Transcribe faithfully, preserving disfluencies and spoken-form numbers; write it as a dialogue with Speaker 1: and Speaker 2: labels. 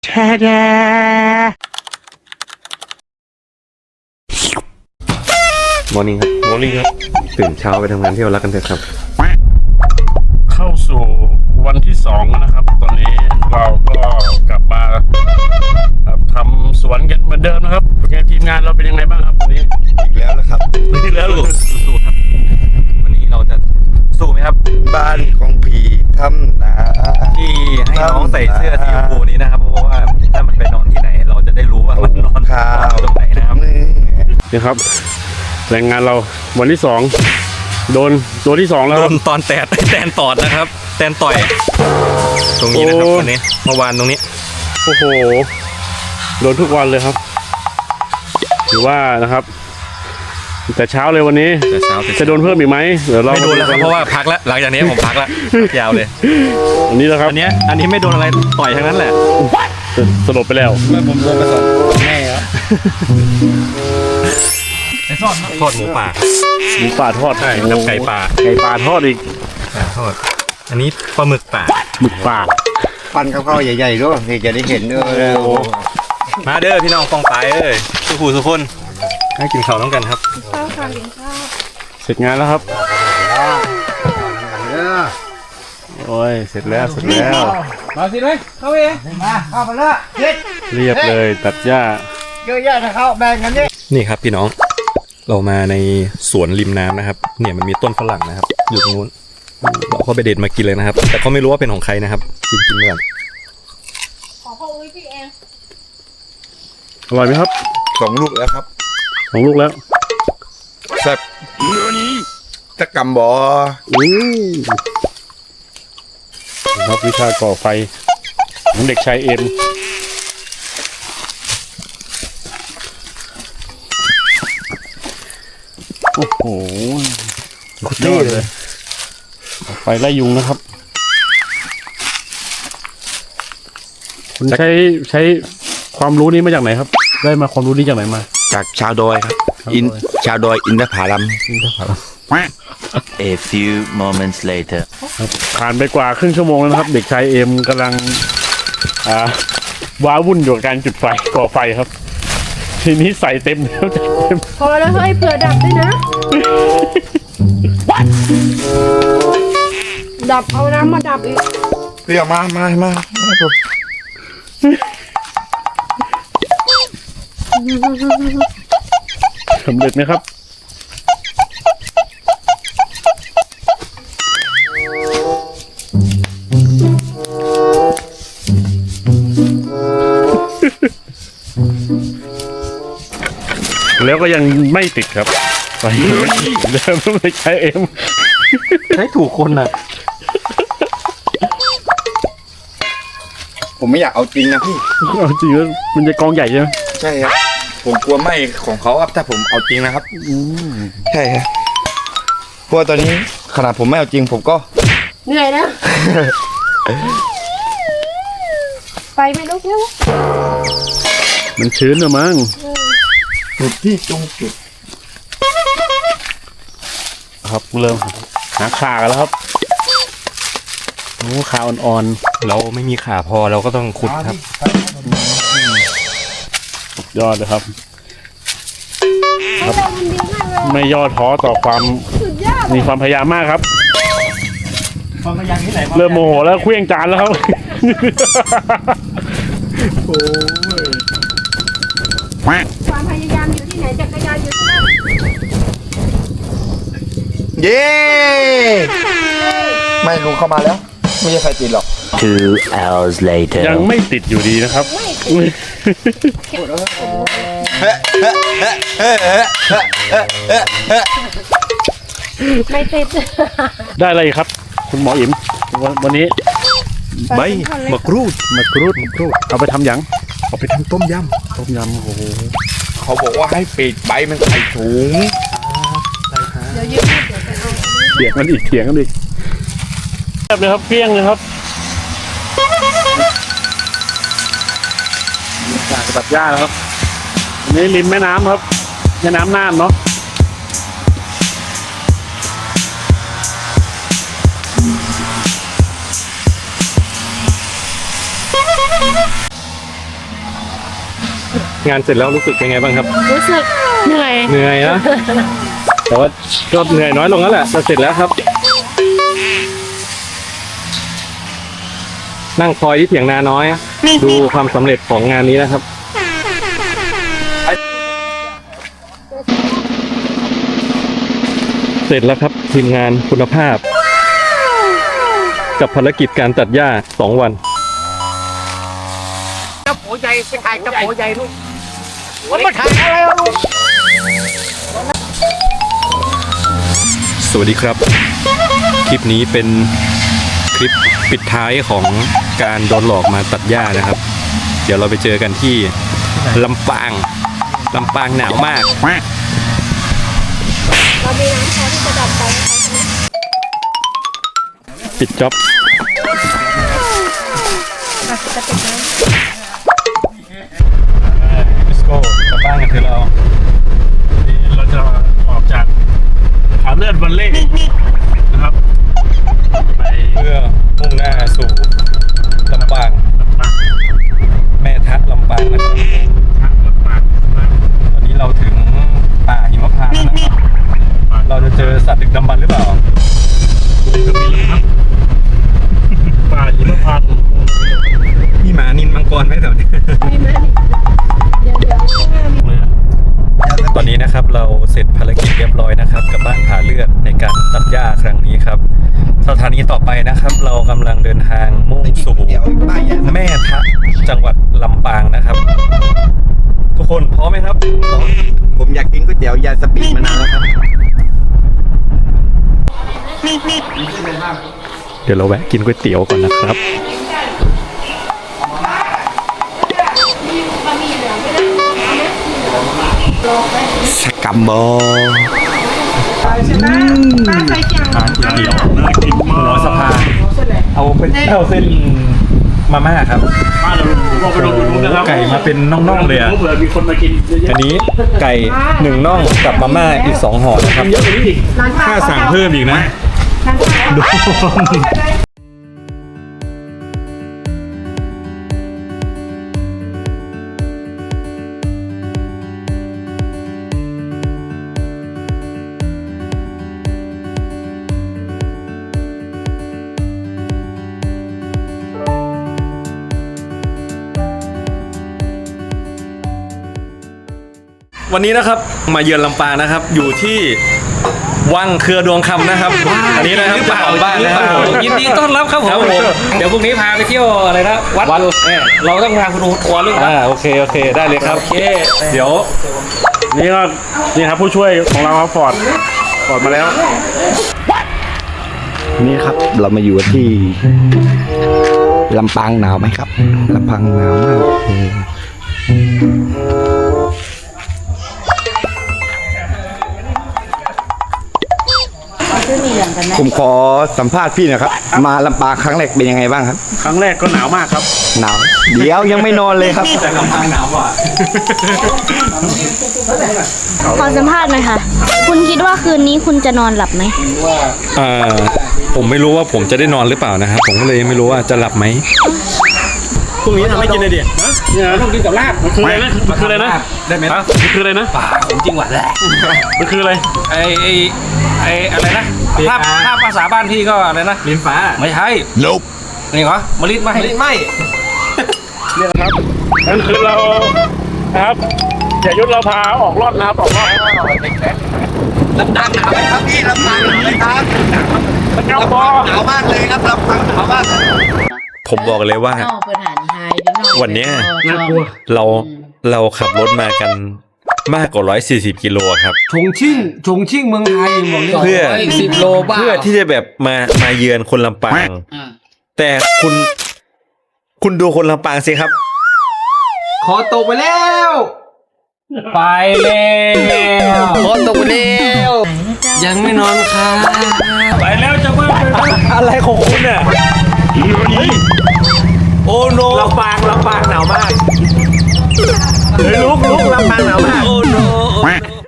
Speaker 1: แช่แดมอร์นิ่งครับมอร์นิ่งครับตื่นเช้าไปทำงานที่เรารักกันเถอะครับเข้าสู่วันที่สองนะครับตอนนี้เราก็กลับมาทำสวนกันเหมือนเดิมนะครับทีมงานเราเป็นยังไงบ้างครับวันนี้
Speaker 2: อีกแล้วนะครับ
Speaker 1: อีกแล้วสู้ครับวันนี้เราจะสู้ไหมครับ
Speaker 2: บ้านของผีทำนา
Speaker 1: ที่ให้น้องใส่เสื้อสีชมพูนี้นะครับเพราะว่าถ้ามันไปนอนที่ไหนเราจะได้รู้ว่ามันนอนตรงไหนนะครับนี่ครับแรงงานเราวันที่สองโดนตัวที่สองแล้วโดนตอนแตนแตนตอดนะครับแตนต่อยตรงนี้นะครับวันนี้เมื่อวานตรงนี้โอ้โหโดนทุกวันเลยครับถือว่านะครับแต่เช้าเลยวันนี้จะโดนเพิ่มอีกไหมเดี๋ยวเราไม่โดนแล้วครับเพราะว่าพักแล้วหลังจากนี้ผมพักแล้วยาวเลยอันนี้นะครับอันนี้อันนี้ไม่โดนอะไรต่อยทั้งนั้นแหละสลบไปแล้วเมื่อผมโดนไปสองแม่ครับไอ้ทอดทอดหมูป่าหมูป่าทอดใช่กับไก่ป่าไก่ป่าทอดอีกทอดอันนี้ปลาหมึกป่าหมึกป่า
Speaker 2: ปั้นข้าวๆใหญ่ๆด้วยที่จะได้เห็นด้วย
Speaker 1: มาเด้อพี่น้องฟองตายเอ้ยสุขุสุขคนให้กินข้าวน้องกันครับข้าวค่ะกินข้าวเสร็จงานแล้วครับโอ้ยเสร็จแล้วเสร็จแล้ว
Speaker 3: มาสิเลยเข้าเองมาเข้าไปเลย
Speaker 1: เรียบเลยตัดหญ้า
Speaker 3: เยอะแยะนะเข้าแบ่งกันนี่
Speaker 1: นี่ครับพี่น้องเรามาในสวนริมน้ำนะครับเนี่ยมันมีต้นฝรั่งนะครับอยู่ตรงนู้นเราเข้าไปเด็ดมากินเลยนะครับแต่เขาไม่รู้ว่าเป็นของใครนะครับกินกินก่อน
Speaker 4: ขอพ่ออุ้ยพี่เอง
Speaker 1: อร่อยไหมครับ
Speaker 2: สองลูกแล้วครับ
Speaker 1: สองลูกแล้ว
Speaker 2: แซ่บตะกำบอ
Speaker 1: อู้ครับวิชาก่อไฟของเด็กชายเอ็มโอ้โหสุดยอดเลยไฟไล่ยุงนะครับคุณใช้ใช้ความรู้นี้มาจากไหนครับได้มาความรู้นี้จากไหนมา
Speaker 2: จากชาวดอยครับอินชาวดอยอินทผลัม
Speaker 1: อินทผลัม
Speaker 5: A few moments later
Speaker 1: ผ่านไปกว่าครึ่งชั่วโมงแล้วนะครับเด็กชายเอ็มกำลังอ่าว้าวุ่นอยู่กับการจุดไฟก่อไฟครับทีนี้ใส่เต็มแล้วเต็ม
Speaker 4: พอแล้วเฮ้ยเผื่อดับด้วยนะดับเอาน้ำมาดับอีก
Speaker 2: เรียกมามามามาผม
Speaker 1: สำเร็จไหมครับแล้วก็ยังไม่ติดครับไปเดิมไม่ใช้เอ็มใช้ถูกคนน่ะ
Speaker 2: ผมไม่อยากเอาจริงนะพี่
Speaker 1: เอาจริงแล้วมันจะกองใหญ่ใช่ไหม
Speaker 2: ใช่ครับผมกลัวไหม้ของเขาครับถ้าผมเอาจริงนะครับใช่ครับเพราะตอนนี้ขนาดผมไม่เอาจริงผมก็
Speaker 4: เหนื่อยนะไปไม่ลุกแล้ว
Speaker 1: มันชื้นหรือมั้ง
Speaker 2: จุดที่จงจุด
Speaker 1: ครับเริ่มหาขากันแล้วครับโอ้ขาอ่อนๆเราไม่มีขาพอเราก็ต้องขุดครับยอดเลยครับครับไม่ย่อท้อต่อความมีความพยายามมากครับ
Speaker 3: ความพยายามที่ไหน
Speaker 1: เริ่มโมโหแล้วเคลื่องจานแล้วครับ
Speaker 4: โอ้ยความพยายามอยู่ที่ไหนจักรยานอยู่ที่นั่น
Speaker 2: เย้ไม่ลุงเข้ามาแล้วไม่ใช่ใครติดหรอก
Speaker 5: Two hours later
Speaker 1: ยังไม่ติดอยู่ดีนะครับ
Speaker 4: ไม่ติด
Speaker 1: ได้อะไรครับคุณหมออิ๋มวันนี้ใบมะกรูดมะกรูดมะกรูดเอาไปทำหยังเอาไปทำต้มยำต้มยำโอ้โห
Speaker 2: เขาบอกว่าให้ปิดใบมันใส่ถุง
Speaker 4: เดี๋ยวยืดเดี๋ยวจะเอา
Speaker 1: เถียงกันอีกเถียงกันอีกแบบเลยครับเพี้ยงเลยครับจากตัดหญ้าแล้วครับนี่ริมแม่น้ำครับแม่น้ำน่านเนาะงานเสร็จแล้วรู้สึกเป็นไงบ้างครับ
Speaker 4: รู้สึกเหนื่อย
Speaker 1: เหนื่อยนะ แต่ว่าก็เหนื่อยน้อยลงแล้วแหละจะเสร็จแล้วครับ นั่งคอยที่เถียงนาน้อย ดูความสำเร็จของงานนี้นะครับ เสร็จแล้วครับทีมงานคุณภาพ กับภารกิจการตัดหญ้าสองวัน
Speaker 3: เจ้าโผใหญ่ไปถ่ายเจ้าโผใหญ่ลูกมันมาถ่ายอะไรอ่ะลูก
Speaker 1: สวัสดีครับ คลิปนี้เป็นคลิปปิดท้ายของการโดนหลอกมาตัดหญ้านะครับ เดี๋ยวเราไปเจอกันที่ลำปางลำปางหนาวมาก
Speaker 4: เรามีน้ำพอที่จะดับไฟนะคะ
Speaker 1: ปิดจ็อบ
Speaker 4: จะติดน้ำ
Speaker 1: let's go กลับบ้านกันเถอะเราเราจะออกจากผาเลือดวันเล่นะครับไปเพื่อมุ่งหน้าสู่ลำปางแม่ทะลำปางนะครับตอนนี้เราถึงป่าหิมพานต์นะครับเราจะเจอสัตว์ดึกดำบรรพ์หรือเปล่าก็มีครับป่าหิมพานต์มีหมานินมังกรไหมแถวนี้
Speaker 4: ไม่ไม่เดี๋ยวเดี๋ยวข้างหน้ามี
Speaker 1: ตอนนี้นะครับเราเสร็จภารกิจเรียบร้อยนะครับกับบ้านผาเลือดในการตัดหญ้าครั้งนี้ครับสถานีต่อไปนะครับ เรากำลังเดินทางมุ่งสู่แม่ทะจังหวัดลำปางนะครับ ทุกคนพร้อมไหมครับ
Speaker 2: ผมอยากกินก๋วยเตี๋ยวยาสปีดมานานแล้วครับ
Speaker 1: เดี๋ยวเราแวะกินก๋วยเตี๋ยวก่อนนะครับ
Speaker 2: สกัมบอ
Speaker 1: ร้านก๋วยเตี๋ยวน่ากินมากหัวสะพานเอาเป็นเอาเส้นมาม่าครับไก่มาเป็นน่องๆเลยอ่ะอันนี้ไก่หนึ่งน่องกับมาม่าอีกสองห่อนะครับค่าสั่งเพิ่มอีกนะดูวันนี้นะครับมาเยือนลำปางนะครับ อยู่ที่วังเครือดวงคำนะครับ อันนี้นะครับเจ้าของบ้านนะครับ
Speaker 6: ยินดีต้อนรับครับผม เดี๋ยวพรุ่งนี้พาไปเที่ยวอะไรนะ วัดเนี่ยเราต้องพาคุณดูทัวร์เรื่องวัด
Speaker 1: อ่าโอเคโอเคได้เลยครับ
Speaker 6: โอเค
Speaker 1: เดี๋ยวนี่ก็นี่ครับผู้ช่วยของเราครับฟอร์ดฟอร์ดมาแล้ว
Speaker 2: นี่ครับเรามาอยู่ที่ลำปางหนาวไหมครับลำปางหนาวมากผมขอสัมภาษณ์พี่หนะครับ มาลำปางครั้งแรกเป็นยังไงบ้างครับ
Speaker 1: ครั้งแรกก็หนาวมากครับ
Speaker 2: หนาว เดี๋ยวยังไม่นอนเลยครับ
Speaker 1: แต่ลำปางหนาวกว่า
Speaker 7: ขอสัมภาษณ์หน่อยค่ะ คุณคิดว่าคืนนี้คุณจะนอนหลับไหม
Speaker 1: อ่าผมไม่รู้ว่าผมจะได้นอนหรือเปล่านะครับ ผมก็เลยไม่รู้ว่าจะหลับไหมพรุ่งนี้ทำให้กินเลยดิเนี่ยต้องกินกับลาบมันคืออะไรนะมันคืออะไรนะได้ไหมมันคืออะไรนะ
Speaker 6: ป่าผมจริงหวัดแหละ
Speaker 1: มันคืออะไร
Speaker 6: ไอไอไออะไรนะถ้าถ้าภาษาบ้านพี่ก็อะไรนะ
Speaker 1: ลิ้นฟ้า
Speaker 6: ไม่ใช่
Speaker 2: Nope
Speaker 6: นี่เหรอมะลิไม่ไม่
Speaker 1: นี่แหละครับนั่นคือเรานะครับอย่ายุดเราพาออกรอดนะครับออกรอด
Speaker 2: ลำปางหนาวไหมครับพี่ลำปางหนาวไหมครับ
Speaker 1: ตะเกียบอ
Speaker 2: หนาวมากเลยครับลำปางหนาวมาก
Speaker 1: ผมบอกเลยว่า วันเนี้ยเราเราขับรถมากันมากกว่าร้อยสี่สิบกิโลครับ
Speaker 6: ชงชิ่งชงชิ่งเมืองไทยบอกเลย
Speaker 1: เพื่อ
Speaker 6: สิบโลบ้า
Speaker 1: เพื่อที่จะแบบมามาเยือนคนลำปาง แต่คุณคุณดูคนลำปางสิครับ
Speaker 6: ขอตกไปแล้ว ไปแล้วขอตกไปแล้วยังไม่นอนค่ะ
Speaker 1: ไปแล้วจะว่าอะไรของคุณเนี่ยโอ้โนลำปางลำปางหนาวมากเฮ้ยลุกลุกลำปางหนาวมากโอ้โน